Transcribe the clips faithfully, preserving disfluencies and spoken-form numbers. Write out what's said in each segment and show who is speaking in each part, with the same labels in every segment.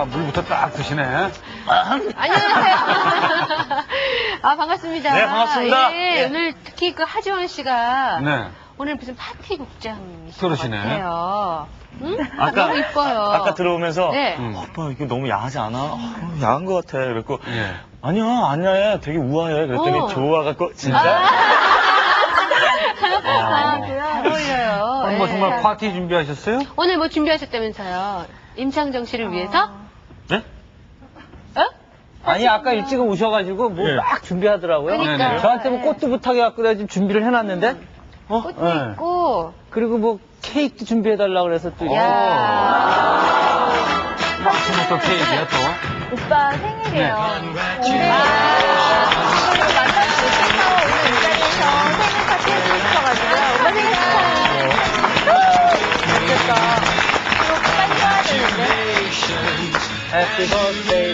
Speaker 1: 아, 물부터 딱 드시네.
Speaker 2: 안녕하세요. 아, 반갑습니다.
Speaker 3: 네, 반갑습니다.
Speaker 2: 예,
Speaker 3: 예.
Speaker 2: 오늘 특히 그 하지원 씨가
Speaker 1: 네.
Speaker 2: 오늘 무슨 파티 국장이신
Speaker 1: 그러시네.
Speaker 2: 것 같아요. 응?
Speaker 3: 아까,
Speaker 2: 너무 이뻐요.
Speaker 3: 아까 들어오면서,
Speaker 2: 네.
Speaker 1: 음.
Speaker 3: 오빠, 이거 너무 야하지 않아? 어, 야한 것 같아. 그랬고,
Speaker 1: 예.
Speaker 3: 아니야, 안 야해. 되게 우아해. 그랬더니
Speaker 2: 어.
Speaker 3: 좋아갖고, 진짜?
Speaker 2: 아, 잘 어울려요.
Speaker 1: 오늘 뭐
Speaker 2: 예.
Speaker 1: 정말 파티 준비하셨어요?
Speaker 2: 오늘 뭐 준비하셨다면서요? 임창정 씨를 위해서?
Speaker 3: 네?
Speaker 2: 어?
Speaker 4: 아니 아까 일찍 오셔가지고 뭐
Speaker 3: 예.
Speaker 4: 막 준비하더라고요.
Speaker 2: 그러니까.
Speaker 1: 네네.
Speaker 4: 저한테 뭐 꽃도 부탁해갖고 내가 지금 준비를 해놨는데 어?
Speaker 2: 꽃도
Speaker 4: 예.
Speaker 2: 있고.
Speaker 4: 그리고 뭐 케이크도 준비해달라고 그래서 또 이렇게.
Speaker 2: 야.
Speaker 1: 아침부터 케이크야 또.
Speaker 5: 오빠 생일이에요.
Speaker 2: 아.
Speaker 5: 근데 오늘 만나서 오늘 이 자리에서 생일 파티 해주고 싶어가지고요. 오빠 생일 축하해. 좋겠다. 이거 빨리 써야 되는데.
Speaker 4: Happy birthday.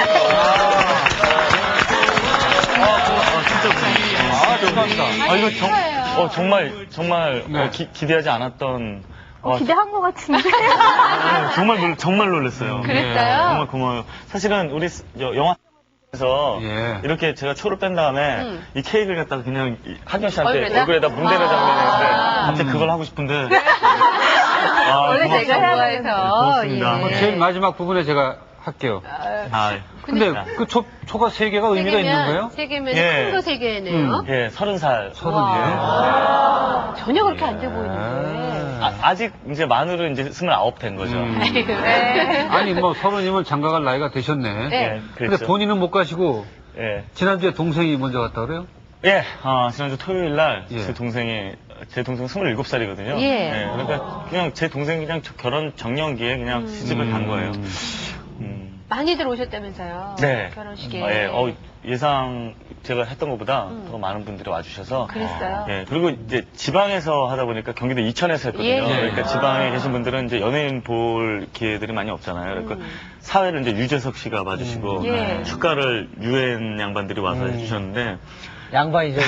Speaker 3: 아, 감사합니다. 아, 이거 정,
Speaker 2: 축하해요.
Speaker 3: 어, 정말, 정말,
Speaker 1: 네.
Speaker 3: 어, 기, 기대하지 않았던.
Speaker 5: 어,
Speaker 3: 와,
Speaker 5: 기대한 것 같은데.
Speaker 3: 아, 정말, 놀, 정말 놀랐어요.
Speaker 2: 그랬어요?
Speaker 3: 네, 정말 고마워요. 사실은 우리 스- 여- 영화에서
Speaker 1: 예.
Speaker 3: 이렇게 제가 초를 뺀 다음에
Speaker 2: 음.
Speaker 3: 이 케이크를 갖다가 그냥 이 하경 씨한테
Speaker 2: 얼굴에다?
Speaker 3: 얼굴에다 문대는
Speaker 2: 아.
Speaker 3: 장면이었는데 갑자기 그걸 하고 싶은데. 아,
Speaker 2: 원래
Speaker 3: 고맙습니다.
Speaker 2: 제가 좋아해서.
Speaker 3: 고맙습니다.
Speaker 1: 뭐
Speaker 2: 예.
Speaker 1: 제일 마지막 부분에 제가 할게요.
Speaker 3: 아,
Speaker 1: 근데
Speaker 3: 그러니까.
Speaker 1: 그 초, 초가 세 개가
Speaker 2: 세
Speaker 1: 의미가 있는
Speaker 2: 개면,
Speaker 1: 거예요?
Speaker 2: 세 개면
Speaker 3: 예.
Speaker 2: 큰 거 세 개네요.
Speaker 3: 예, 서른 살.
Speaker 1: 서른이에요?
Speaker 2: 전혀 그렇게 안 돼 보이는데.
Speaker 3: 아, 아직 이제 만으로 이제 스물아홉 된 거죠.
Speaker 1: 음.
Speaker 2: 아이고, 네.
Speaker 1: 아니 뭐 서른이면 장가갈 나이가 되셨네.
Speaker 2: 네.
Speaker 3: 예,
Speaker 1: 근데
Speaker 3: 그렇죠.
Speaker 1: 본인은 못 가시고
Speaker 3: 예.
Speaker 1: 지난주에 동생이 먼저 갔다 그래요?
Speaker 3: 예, 아, 지난주 토요일 날,
Speaker 1: 예.
Speaker 3: 제 동생이, 제 동생 스물일곱 살이거든요.
Speaker 2: 예.
Speaker 3: 그러니까, 그냥 제 동생이 그냥 저 결혼 정년기에 그냥 시집을 간 거예요. 음.
Speaker 2: 많이들 오셨다면서요.
Speaker 3: 네.
Speaker 2: 결혼식에.
Speaker 3: 아, 예, 어, 예상 제가 했던 것보다
Speaker 2: 음.
Speaker 3: 더 많은 분들이 와주셔서.
Speaker 2: 그랬어요?
Speaker 3: 예, 그리고 이제 지방에서 하다 보니까 경기도 이천에서 했거든요.
Speaker 2: 예.
Speaker 3: 그러니까 지방에 계신 분들은 이제 연예인 볼 기회들이 많이 없잖아요. 그러니까
Speaker 2: 음.
Speaker 3: 사회를 이제 유재석 씨가 봐주시고,
Speaker 2: 음. 예.
Speaker 3: 축가를 유엔 양반들이 와서
Speaker 4: 음.
Speaker 3: 해주셨는데,
Speaker 4: 양반이죠.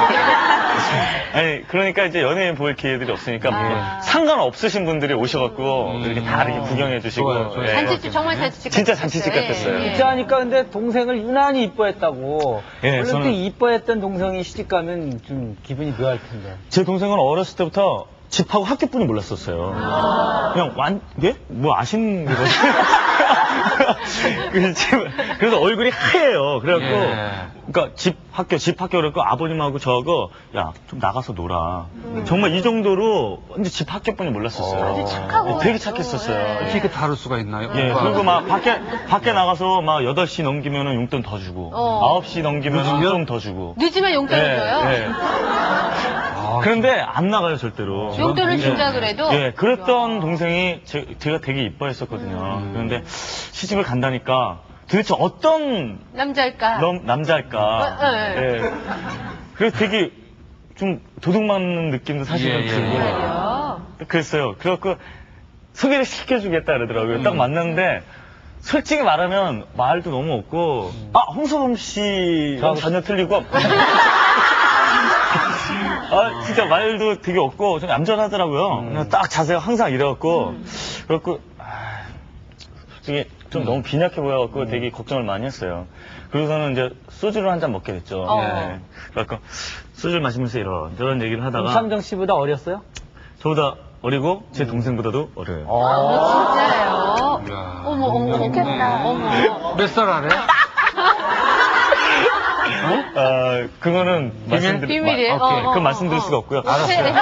Speaker 3: 아니 그러니까 이제 연예인 볼 기회들이 없으니까
Speaker 2: 아.
Speaker 3: 뭐 상관없으신 분들이 오셔갖고
Speaker 1: 음.
Speaker 3: 이렇게 다 이렇게 구경해 주시고
Speaker 1: 좋아요, 좋아요.
Speaker 3: 예.
Speaker 2: 잔치집, 정말 잔치집.
Speaker 3: 진짜
Speaker 2: 같았어요.
Speaker 3: 잔치집 같았어요.
Speaker 2: 예, 예.
Speaker 4: 진짜 하니까 근데 동생을 유난히 이뻐했다고.
Speaker 3: 예,
Speaker 4: 원래
Speaker 3: 저는-
Speaker 4: 또 이뻐했던 동생이 시집 가면 좀 기분이 묘할 텐데.
Speaker 3: 제 동생은 어렸을 때부터 집하고 학교뿐이 몰랐었어요. 그냥 완, 예? 뭐 아시는 거지? 그 집- 그래서 얼굴이 하얘요. 그래갖고,
Speaker 1: 예.
Speaker 3: 그러니까 집 학교, 집 학교 그래갖고 아버님하고 저하고, 야, 좀 나가서 놀아. 정말 이 정도로 완전 집 학교뿐이 몰랐었어요.
Speaker 1: 아주
Speaker 2: 착하고.
Speaker 3: 예, 되게 착했었어요.
Speaker 2: 예.
Speaker 1: 이렇게 다를 수가 있나요?
Speaker 3: 예,
Speaker 1: 오빠?
Speaker 3: 그리고 막 밖에, 밖에 나가서 막 여덟 시 넘기면은 용돈 더 주고,
Speaker 2: 어.
Speaker 3: 아홉 시 넘기면은
Speaker 1: 늦으면?
Speaker 3: 좀 더 주고.
Speaker 2: 늦으면 용돈을
Speaker 3: 예,
Speaker 2: 줘요?
Speaker 3: 예.
Speaker 1: 아,
Speaker 3: 그런데 안 나가요, 절대로.
Speaker 2: 용돈을
Speaker 1: 예.
Speaker 2: 준다 그래도?
Speaker 3: 예, 그랬던
Speaker 2: 야.
Speaker 3: 동생이 제, 제가 되게 이뻐했었거든요.
Speaker 1: 음.
Speaker 3: 그런데 시집을 간다니까 도대체 어떤
Speaker 2: 남자일까?
Speaker 3: 남, 남자일까.
Speaker 2: 어, 어,
Speaker 3: 예. 그래서 되게 좀 도둑 맞는 느낌도 사실은
Speaker 1: 예, 예.
Speaker 3: 들고.
Speaker 2: 정말요?
Speaker 3: 그랬어요. 그래갖고 소개를 시켜주겠다 그러더라고요.
Speaker 1: 음.
Speaker 3: 딱 만났는데 솔직히 말하면 말도 너무 없고 아 홍서범 씨랑 전혀 틀리고 아 진짜 말도 되게 없고 좀 얌전하더라고요. 그냥 딱 자세가 항상 이래갖고 그래갖고 아, 솔직히 좀 너무 빈약해 보여갖고 되게 걱정을 많이 했어요. 그래서는 이제 소주를 한 잔 먹게 됐죠.
Speaker 2: 어.
Speaker 3: 예. 그래갖고 소주를 마시면서 이런 저런 얘기를 하다가
Speaker 4: 임창정 씨보다 어렸어요?
Speaker 3: 저보다 어리고 제 동생보다도 어려요.
Speaker 2: 어, 진짜예요?
Speaker 1: 이야.
Speaker 2: 어머, 어머,
Speaker 5: 좋겠다.
Speaker 2: 어머.
Speaker 1: 몇 살 아래?
Speaker 3: 아, 그거는 말씀드릴
Speaker 2: 비밀이에요?
Speaker 3: 마- 오케이.
Speaker 2: 어, 어,
Speaker 3: 그건
Speaker 2: 어,
Speaker 3: 말씀드릴
Speaker 2: 어.
Speaker 3: 수가 없고요.
Speaker 2: 알았어요.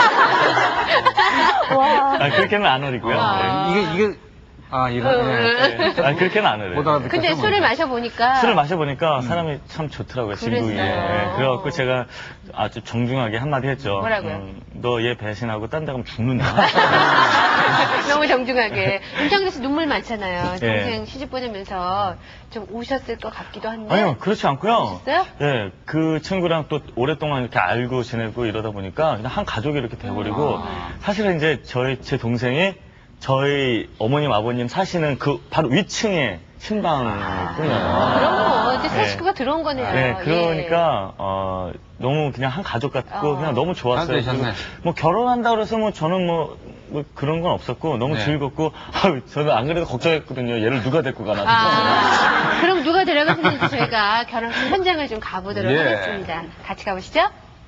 Speaker 5: 와.
Speaker 3: 아, 그렇게는 안 어리고요.
Speaker 2: 아.
Speaker 1: 이게, 이게, 아, 이런, 예.
Speaker 3: 네. 아, 그렇게는 안 어려요.
Speaker 1: 못 알아듣겠어.
Speaker 2: 근데 술을 마셔보니까.
Speaker 3: 술을 마셔보니까 사람이 참 좋더라고요, 친구에.
Speaker 2: 그랬어요.
Speaker 3: 예, 그래갖고 제가 아주 정중하게 한마디 했죠.
Speaker 2: 뭐라고요?
Speaker 3: 너 얘 배신하고 딴 데 가면 죽는다.
Speaker 2: 너무 정중하게. 임창정 씨 눈물 많잖아요.
Speaker 3: 예.
Speaker 2: 동생 시집 보내면서 좀 우셨을 것 같기도 한데.
Speaker 3: 아니요, 그렇지 않고요.
Speaker 2: 그러셨어요?
Speaker 3: 예, 그 친구랑 또 오랫동안 이렇게 알고 지내고 이러다 보니까 그냥 한 가족이 이렇게 돼버리고
Speaker 2: 아.
Speaker 3: 사실은 이제 저희, 제 동생이 저희 어머님, 아버님 사시는 그 바로 위층에 신방뿐이에요.
Speaker 2: 그럼 뭐, 이제 새
Speaker 3: 네.
Speaker 2: 식구가 들어온 거네요.
Speaker 3: 네,
Speaker 2: 예.
Speaker 3: 그러니까, 어, 너무 그냥 한 가족 같고,
Speaker 2: 어.
Speaker 3: 그냥 너무 좋았어요.
Speaker 1: 잘 되셨네.
Speaker 3: 그리고 뭐 결혼한다 그래서 뭐 저는 뭐 뭐 그런 건 없었고 너무
Speaker 1: 네.
Speaker 3: 즐겁고 아유, 저는 안 그래도 걱정했거든요. 얘를 누가 데리고 가나.
Speaker 2: 아, 그럼 누가 데려가시는지 저희가 결혼식 현장을 좀 가보도록
Speaker 1: 예.
Speaker 2: 하겠습니다. 같이 가보시죠.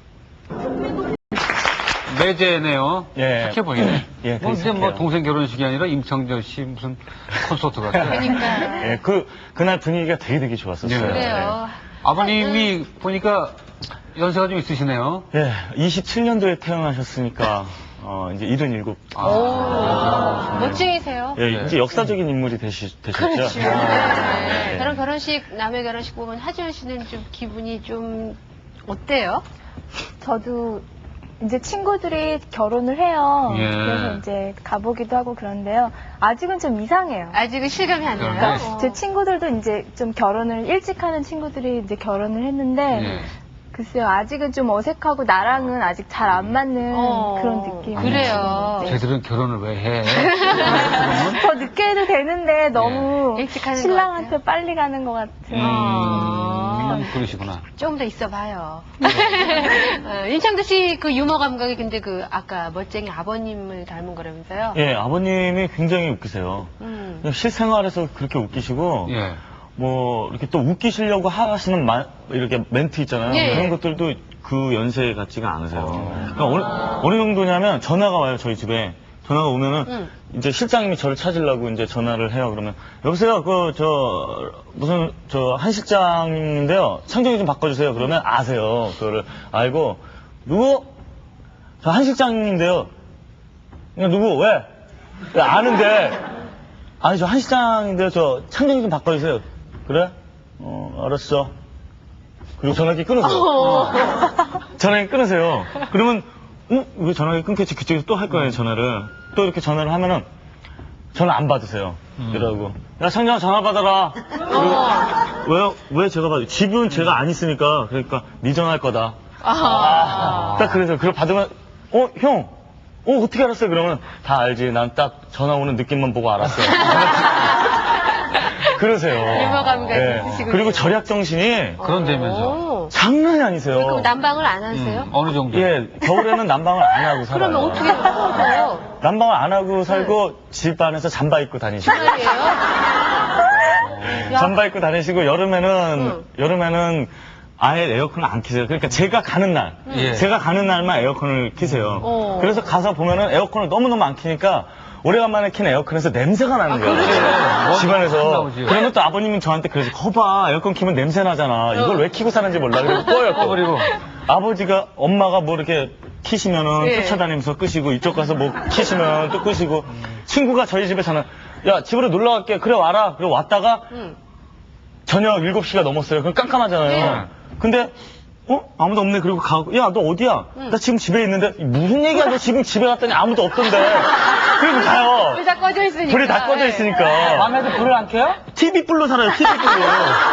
Speaker 1: 매제네요.
Speaker 3: 예.
Speaker 1: 착해 보이네.
Speaker 3: 예,
Speaker 1: 뭐,
Speaker 3: 되게
Speaker 1: 근데 뭐
Speaker 3: 착해요.
Speaker 1: 동생 결혼식이 아니라 임창정 씨 무슨 콘서트 같아요.
Speaker 2: 그러니까.
Speaker 3: 예, 그 그날 분위기가 되게 되게 좋았었어요.
Speaker 1: 네.
Speaker 2: 그래요.
Speaker 1: 아버님이 보니까 연세가 좀 있으시네요.
Speaker 3: 예, 이십칠 년도에 태어나셨으니까 어, 이제 칠십칠.
Speaker 1: 아,
Speaker 2: 오, 멋쟁이세요.
Speaker 3: 예,
Speaker 1: 네.
Speaker 3: 이제 역사적인 인물이 되시, 되셨죠.
Speaker 2: 그렇죠.
Speaker 3: 아,
Speaker 2: 네.
Speaker 3: 네.
Speaker 2: 그런 결혼식, 남의 결혼식 보면 하지원 씨는 좀 기분이 좀 어때요?
Speaker 5: 저도 이제 친구들이 결혼을 해요.
Speaker 1: 예.
Speaker 5: 그래서 이제 가보기도 하고 그런데요. 아직은 좀 이상해요.
Speaker 2: 아직은 실감이 안 나요.
Speaker 1: 그러니까
Speaker 5: 제 친구들도 이제 좀 결혼을 일찍 하는 친구들이 이제 결혼을 했는데
Speaker 1: 예.
Speaker 5: 글쎄요, 아직은 좀 어색하고 나랑은 아직 잘 안 맞는
Speaker 2: 어,
Speaker 5: 그런 느낌.
Speaker 2: 그래요.
Speaker 5: 네.
Speaker 1: 쟤들은 결혼을 왜 해?
Speaker 5: 더 늦게 해도 되는데 너무
Speaker 2: 예. 일찍 하는 것
Speaker 5: 신랑한테
Speaker 2: 같아요.
Speaker 5: 빨리 가는 것 같은.
Speaker 1: 음, 그러시구나.
Speaker 2: 좀 더 있어봐요. 어, 인창도 씨 그 유머 감각이 근데 그 아까 멋쟁이 아버님을 닮은 거라면서요?
Speaker 3: 예, 아버님이 굉장히 웃기세요.
Speaker 2: 음.
Speaker 3: 그냥 실생활에서 그렇게 웃기시고,
Speaker 1: 예.
Speaker 3: 뭐, 이렇게 또 웃기시려고 하시는 마, 이렇게 멘트 있잖아요.
Speaker 2: 예.
Speaker 3: 그런 것들도 그 연세 같지가 않으세요.
Speaker 1: 어.
Speaker 3: 그러니까 어느, 어느 정도냐면 전화가 와요, 저희 집에. 전화가 오면은,
Speaker 2: 음.
Speaker 3: 이제 실장님이 저를 찾으려고 이제 전화를 해요. 그러면, 여보세요, 그, 저, 무슨, 저, 한 실장님인데요. 창정이 좀 바꿔주세요. 그러면 아세요. 그거를 알고, 누구? 저 한 실장님인데요. 그냥 누구? 왜? 왜 아는데. 아니, 저 한 실장인데요. 저 창정이 좀 바꿔주세요. 그래? 어, 알았어. 그리고 전화기 끊으세요.
Speaker 2: 어.
Speaker 3: 전화기 끊으세요. 그러면, 어? 왜 전화기 끊겠지? 그쪽에서 또 할 거예요, 전화를. 또 이렇게 전화를 하면은, 전화 안 받으세요. 이러고. 야, 창정아, 전화 받아라. 그리고, 왜요? 왜 제가 받아? 집은 제가 안 있으니까. 그러니까, 네 전화할 거다.
Speaker 2: 아.
Speaker 3: 딱 그래서, 그걸 받으면, 어, 형, 어, 어떻게 알았어요? 그러면, 다 알지. 난 딱 전화 오는 느낌만 보고 알았어요. 그러세요.
Speaker 2: 유머 감각이
Speaker 3: 예.
Speaker 2: 있으시군요.
Speaker 3: 그리고 절약 정신이
Speaker 1: 그런다면서.
Speaker 2: 오.
Speaker 3: 장난이 아니세요.
Speaker 2: 그럼 난방을 안 하세요?
Speaker 1: 음, 어느 정도?
Speaker 3: 예, 겨울에는 난방을 안 하고 살아요.
Speaker 2: 그러면 어떻게 하세요?
Speaker 3: 난방을 안 하고 살고 집 안에서 잠바 입고 다니시고.
Speaker 2: 정말이에요? 야.
Speaker 3: 잠바 입고 다니시고 여름에는
Speaker 2: 응.
Speaker 3: 여름에는 아예 에어컨을 안 키세요. 그러니까 제가 가는 날,
Speaker 1: 예.
Speaker 3: 제가 가는 날만 에어컨을 키세요.
Speaker 2: 어.
Speaker 3: 그래서 가서 보면은 에어컨을 너무너무 안 키니까 오래간만에 킨 에어컨에서 냄새가 나는 거예요.
Speaker 1: 그래.
Speaker 3: 집안에서.
Speaker 1: 확 나오지.
Speaker 3: 그러면 또 아버님은 저한테 그래서 거봐 에어컨 키면 냄새 나잖아. 이걸 왜 키고 사는지 몰라. 그리고 꺼요. 또.
Speaker 1: 그리고
Speaker 3: 아버지가 엄마가 뭐 이렇게 키시면은
Speaker 2: 예.
Speaker 3: 쫓아다니면서 끄시고 이쪽 가서 뭐 키시면 또 끄시고 친구가 저희 집에 전화 야 집으로 놀러 갈게 그래 와라 그리고 왔다가
Speaker 2: 응.
Speaker 3: 저녁 일곱 시가 넘었어요. 그럼 깜깜하잖아요.
Speaker 2: 네.
Speaker 3: 근데 어? 아무도 없네. 그리고 가고 야 너 어디야?
Speaker 2: 응.
Speaker 3: 나 지금 집에 있는데 무슨 얘기야? 너 지금 집에 갔더니 아무도 없던데. 그리고 가요.
Speaker 2: 불이 다 꺼져 있으니까.
Speaker 3: 불이 다 꺼져
Speaker 2: 예.
Speaker 3: 있으니까.
Speaker 4: 밤에도 불을 안 켜요?
Speaker 3: 티비불로 살아요. 티비불로.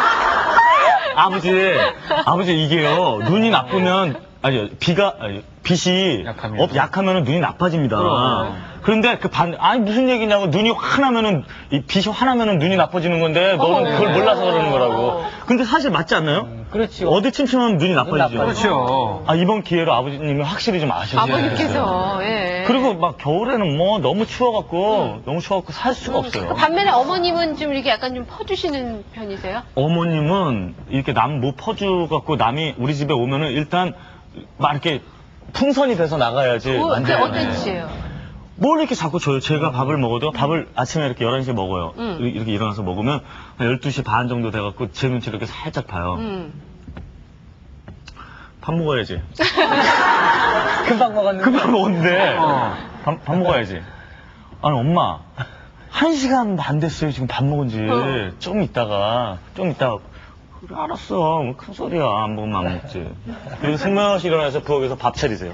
Speaker 3: 아버지, 아버지 이게요. 눈이 나쁘면 아니 비가 아니, 빛이
Speaker 1: 약하면.
Speaker 3: 업 약하면은 눈이 나빠집니다.
Speaker 1: 그럼.
Speaker 3: 그런데 그 반 아니 무슨 얘기냐고 눈이 화나면은 이 빛이 화나면은 눈이 나빠지는 건데 너는 그걸 몰라서 그러는 거라고. 근데 사실 맞지 않나요?
Speaker 4: 그렇지.
Speaker 3: 어디 침침하면 눈이 나빠지죠.
Speaker 4: 나빠지죠.
Speaker 1: 그렇죠.
Speaker 3: 아 이번 기회로 아버지님이 확실히 좀 아셔야 돼요.
Speaker 2: 아버님께서, 예.
Speaker 3: 그리고 막 겨울에는 뭐 너무 추워갖고 너무 추워갖고 살 수가 없어요.
Speaker 2: 그 반면에 어머님은 좀 이렇게 약간 좀 퍼주시는 편이세요?
Speaker 3: 어머님은 이렇게 남 못 퍼주갖고 남이 우리 집에 오면은 일단 막 이렇게 풍선이 돼서 나가야지.
Speaker 2: 어, 그게
Speaker 3: 완전히.
Speaker 2: 어떤 짓이에요?
Speaker 3: 뭘 이렇게 자꾸 줘요? 제가 밥을 먹어도 밥을 아침에 이렇게 열한 시에 먹어요.
Speaker 2: 음.
Speaker 3: 이렇게 일어나서 먹으면 한 열두 시 반 정도 돼갖고 제 눈치를 이렇게 살짝 봐요.
Speaker 2: 음.
Speaker 3: 밥 먹어야지.
Speaker 4: 금방 먹었는데.
Speaker 3: 금방 먹었는데
Speaker 1: 어.
Speaker 3: 밥, 밥 먹어야지. 아니 엄마 한 시간 반 됐어요 지금 밥 먹은 지.
Speaker 2: 어.
Speaker 3: 좀 있다가 좀 있다가 그래 알았어 뭐 큰 소리야 안 먹으면 안 먹지. 그리고 승명씨 일어나서 부엌에서 밥 차리세요.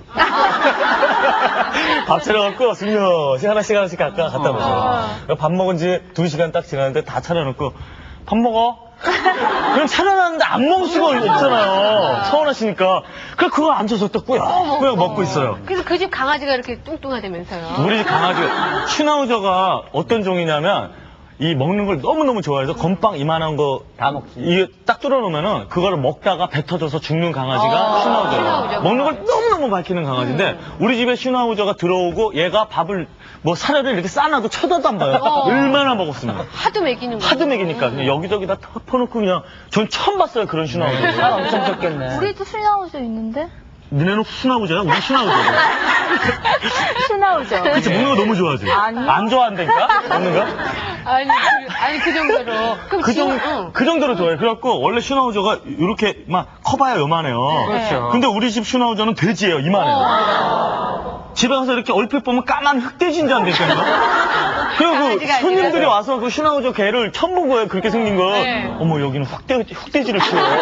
Speaker 3: 밥 차려갖고 승명씨 하나씩 하나씩 갖다 갖다 놓으세요. 밥 먹은 지 두 시간 딱 지났는데 다 차려놓고 밥 먹어. 그럼 차려놨는데 안 먹을 수가 없잖아요. 서운하시니까. 그래 그거 앉아서 또 꾸역꾸역 먹고 있어요.
Speaker 2: 그래서 그 집 강아지가 이렇게 뚱뚱하다면서요?
Speaker 3: 우리 집 강아지 슈나우저가 어떤 종이냐면 이 먹는 걸 너무너무 좋아해서 건빵 이만한 거
Speaker 4: 다 먹지.
Speaker 3: 이게 딱 뚫어놓으면은 그거를 먹다가 배 터져서 죽는 강아지가
Speaker 2: 아,
Speaker 3: 슈나우저예요.
Speaker 2: 슈나우저가.
Speaker 3: 먹는 걸 너무너무 밝히는 강아지인데
Speaker 2: 음.
Speaker 3: 우리 집에 슈나우저가 들어오고 얘가 밥을 뭐 사료를 이렇게 싸놔도 쳐다도 안 봐요.
Speaker 2: 어.
Speaker 3: 얼마나 먹었으면.
Speaker 2: 하도 먹이는 거.
Speaker 3: 하도 먹이니까 그냥 여기저기 다 퍼놓고 그냥 전 처음 봤어요 그런 슈나우저.
Speaker 4: 살 엄청 쪘겠네.
Speaker 5: 우리도 슈나우저 있는데?
Speaker 3: 니네는 슈나우저야? 우리 슈나우저야.
Speaker 5: 슈나우저.
Speaker 3: 그치 먹는 거 너무 좋아하지?
Speaker 5: 아니요.
Speaker 3: 안 좋아한다니까? 먹는 거?
Speaker 2: 아니, 그, 아니, 그 정도로. 그럼
Speaker 3: 그,
Speaker 2: 지금,
Speaker 3: 정,
Speaker 2: 응.
Speaker 3: 그 정도로 좋아해요. 그래갖고 원래 슈나우저가 이렇게 막 커봐야 요만해요.
Speaker 1: 그렇죠.
Speaker 3: 근데 우리 집 슈나우저는 돼지예요. 이만해요.
Speaker 2: 어.
Speaker 3: 집에 가서 이렇게 얼핏 보면 까만 흑돼지인 줄 안다니까요. 그리고 그
Speaker 2: 강아지가 아니라.
Speaker 3: 손님들이 와서 그 슈나우저 개를 처음 본 거예요. 그렇게 생긴 거.
Speaker 2: 네.
Speaker 3: 어머 여기는 흑돼지, 흑돼지를 키워요.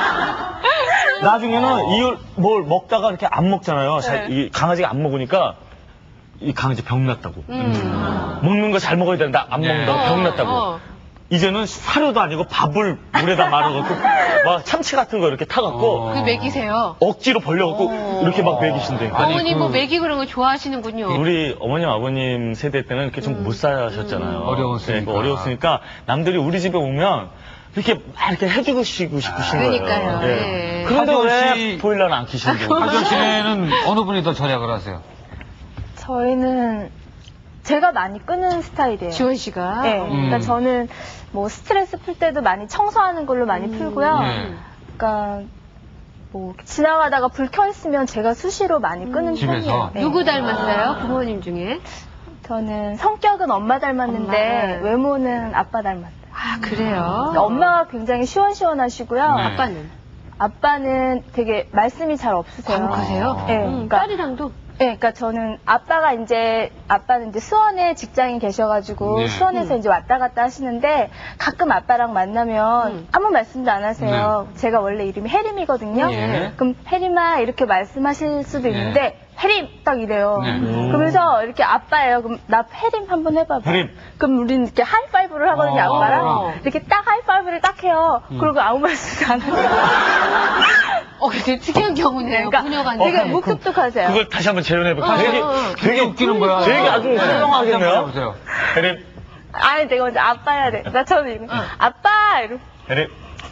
Speaker 3: 나중에는 이걸 뭘 먹다가 이렇게 안 먹잖아요. 자,
Speaker 2: 네.
Speaker 3: 이 강아지가 안 먹으니까 이 강아지 병 났다고.
Speaker 2: 음.
Speaker 3: 먹는 거 잘 먹어야 되는데 안 먹는다고
Speaker 2: 어,
Speaker 3: 병 났다고.
Speaker 2: 어.
Speaker 3: 이제는 사료도 아니고 밥을 물에다 말아갖고 막 참치 같은 거 이렇게 타갖고
Speaker 1: 어.
Speaker 2: 그 먹이세요.
Speaker 3: 억지로 벌려갖고
Speaker 2: 어.
Speaker 3: 이렇게 막 먹이신대.
Speaker 1: 아니,
Speaker 2: 어머니
Speaker 1: 그-
Speaker 2: 뭐 먹이 그런 거 좋아하시는군요.
Speaker 3: 우리 어머님 아버님 세대 때는 이렇게 좀 못 사셨잖아요.
Speaker 1: 음. 어려웠으니까.
Speaker 3: 네, 어려웠으니까 남들이 우리 집에 오면 이렇게 막 이렇게 해주고 싶으신 거예요.
Speaker 2: 그러니까요.
Speaker 3: 네.
Speaker 2: 예.
Speaker 3: 그런데
Speaker 1: 하지원
Speaker 3: 왜
Speaker 1: 씨-
Speaker 3: 보일러는 안 켜시는 거예요?
Speaker 1: 하정 씨는 어느 분이 더 절약을 하세요?
Speaker 5: 저희는 제가 많이 끄는 스타일이에요.
Speaker 2: 지원 씨가.
Speaker 5: 네, 그러니까
Speaker 1: 음.
Speaker 5: 저는 뭐 스트레스 풀 때도 많이 청소하는 걸로 많이
Speaker 2: 음.
Speaker 5: 풀고요.
Speaker 1: 네.
Speaker 5: 그러니까 뭐 지나가다가 불 켜 있으면 제가 수시로 많이 끄는
Speaker 1: 집에서?
Speaker 5: 편이에요. 네.
Speaker 2: 누구 닮았어요? 부모님 중에?
Speaker 5: 저는 성격은 엄마 닮았는데
Speaker 2: 엄마.
Speaker 5: 외모는 아빠 닮았어요.
Speaker 2: 아, 그래요?
Speaker 5: 그러니까 엄마가 굉장히 시원시원하시고요.
Speaker 1: 네.
Speaker 2: 아빠는?
Speaker 5: 아빠는 되게 말씀이 잘 없으세요.
Speaker 2: 과묵하세요?
Speaker 5: 네,
Speaker 2: 음,
Speaker 5: 그러니까
Speaker 2: 딸이랑도?
Speaker 5: 네, 그러니까 저는 아빠가 이제 아빠는 이제 수원에 직장인 계셔가지고
Speaker 1: 네.
Speaker 5: 수원에서
Speaker 2: 음.
Speaker 5: 이제 왔다 갔다 하시는데 가끔 아빠랑 만나면
Speaker 2: 음.
Speaker 5: 아무 말씀도 안 하세요. 제가 원래 이름이 혜림이거든요.
Speaker 1: 네.
Speaker 5: 그럼 혜림아 이렇게 말씀하실 수도
Speaker 1: 네.
Speaker 5: 있는데 혜림 딱 이래요.
Speaker 1: 네.
Speaker 3: 음.
Speaker 5: 그러면서 이렇게 아빠예요. 그럼 나 혜림 한번 해봐봐.
Speaker 3: 혜림.
Speaker 5: 그럼 우리는 이렇게 하이파이브를 하거든요.
Speaker 1: 어.
Speaker 5: 아빠랑 이렇게 딱 하이파이브를 딱 해요. 그리고 아무 말씀도 안 하세요.
Speaker 2: 어, 되게 특이한 경우네요.
Speaker 5: 그러니까
Speaker 2: 부녀간에.
Speaker 5: 되게 묵뚝뚝하세요.
Speaker 3: 그걸 다시 한번 재현해볼까?
Speaker 2: 어,
Speaker 3: 되게,
Speaker 2: 어, 어.
Speaker 3: 되게
Speaker 1: 웃기는 거야.
Speaker 3: 되게 아주
Speaker 1: 네.
Speaker 3: 훌륭하겠네요.
Speaker 1: 한번 해보세요.
Speaker 3: 혜림,
Speaker 5: 아니 내가 먼저 아빠 해야 돼. 나 처음에 이거 아빠 이러고
Speaker 3: 혜림.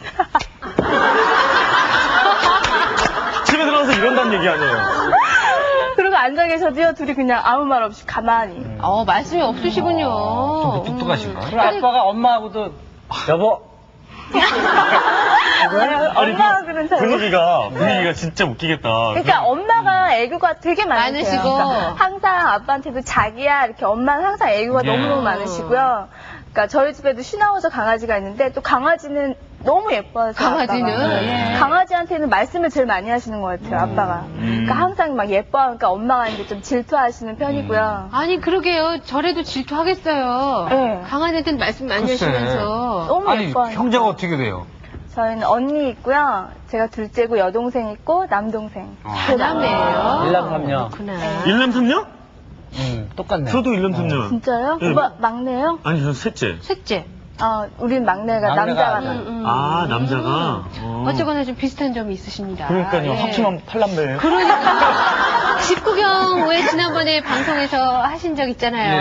Speaker 3: 집에 들어가서 이런다는 얘기 아니에요.
Speaker 5: 그러고 앉아 계셔도요 둘이 그냥 아무 말 없이 가만히.
Speaker 2: 어, 말씀이 없으시군요.
Speaker 1: 좀 똑똑하신가?
Speaker 2: 음.
Speaker 4: 그리고 아빠가 엄마하고도 여보
Speaker 3: 아니,
Speaker 5: 엄마가
Speaker 3: 그
Speaker 5: 그런 잘.
Speaker 3: 분위기가, 분위기가 진짜 웃기겠다.
Speaker 5: 그러니까 엄마가 애교가 되게 많으세요.
Speaker 2: 많으시고.
Speaker 5: 그러니까 항상 아빠한테도 자기야 이렇게 엄마는 항상 애교가
Speaker 1: 예.
Speaker 5: 너무너무 많으시고요. 그러니까 저희 집에도 슈나우저 강아지가 있는데 또 강아지는 너무 예뻐요.
Speaker 2: 강아지는?
Speaker 5: 아빠가.
Speaker 2: 예.
Speaker 5: 강아지한테는 말씀을 제일 많이 하시는 것 같아요. 아빠가. 그러니까 항상 막 예뻐하니까 엄마가 이제 좀 질투하시는 편이고요.
Speaker 2: 아니, 그러게요. 저래도 질투하겠어요.
Speaker 5: 네.
Speaker 2: 강아지한테는 말씀 많이
Speaker 1: 글쎄.
Speaker 2: 하시면서.
Speaker 5: 너무
Speaker 1: 아니,
Speaker 5: 예뻐하니까.
Speaker 1: 형제가 어떻게 돼요?
Speaker 5: 저희는 언니 있고요. 제가 둘째고 여동생 있고 남동생.
Speaker 1: 어.
Speaker 2: 사남매예요.
Speaker 4: 일남삼녀.
Speaker 2: 그렇구나.
Speaker 3: 일남삼녀?
Speaker 4: 음, 똑같네.
Speaker 3: 저도 일남삼녀.
Speaker 5: 진짜요?
Speaker 3: 네.
Speaker 5: 오빠 막내요?
Speaker 3: 아니, 저는 셋째.
Speaker 2: 셋째.
Speaker 5: 아, 우린 막내가
Speaker 4: 막내가
Speaker 5: 남자가
Speaker 4: 아니야.
Speaker 5: 나.
Speaker 2: 음, 음.
Speaker 3: 아, 남자가? 어.
Speaker 2: 어쩌거나 좀 비슷한 점이 있으십니다.
Speaker 3: 그러니까요.
Speaker 2: 예.
Speaker 3: 합치면 팔남매예요.
Speaker 2: 그러니까. 집구경 왜 지난번에 방송에서 하신 적 있잖아요.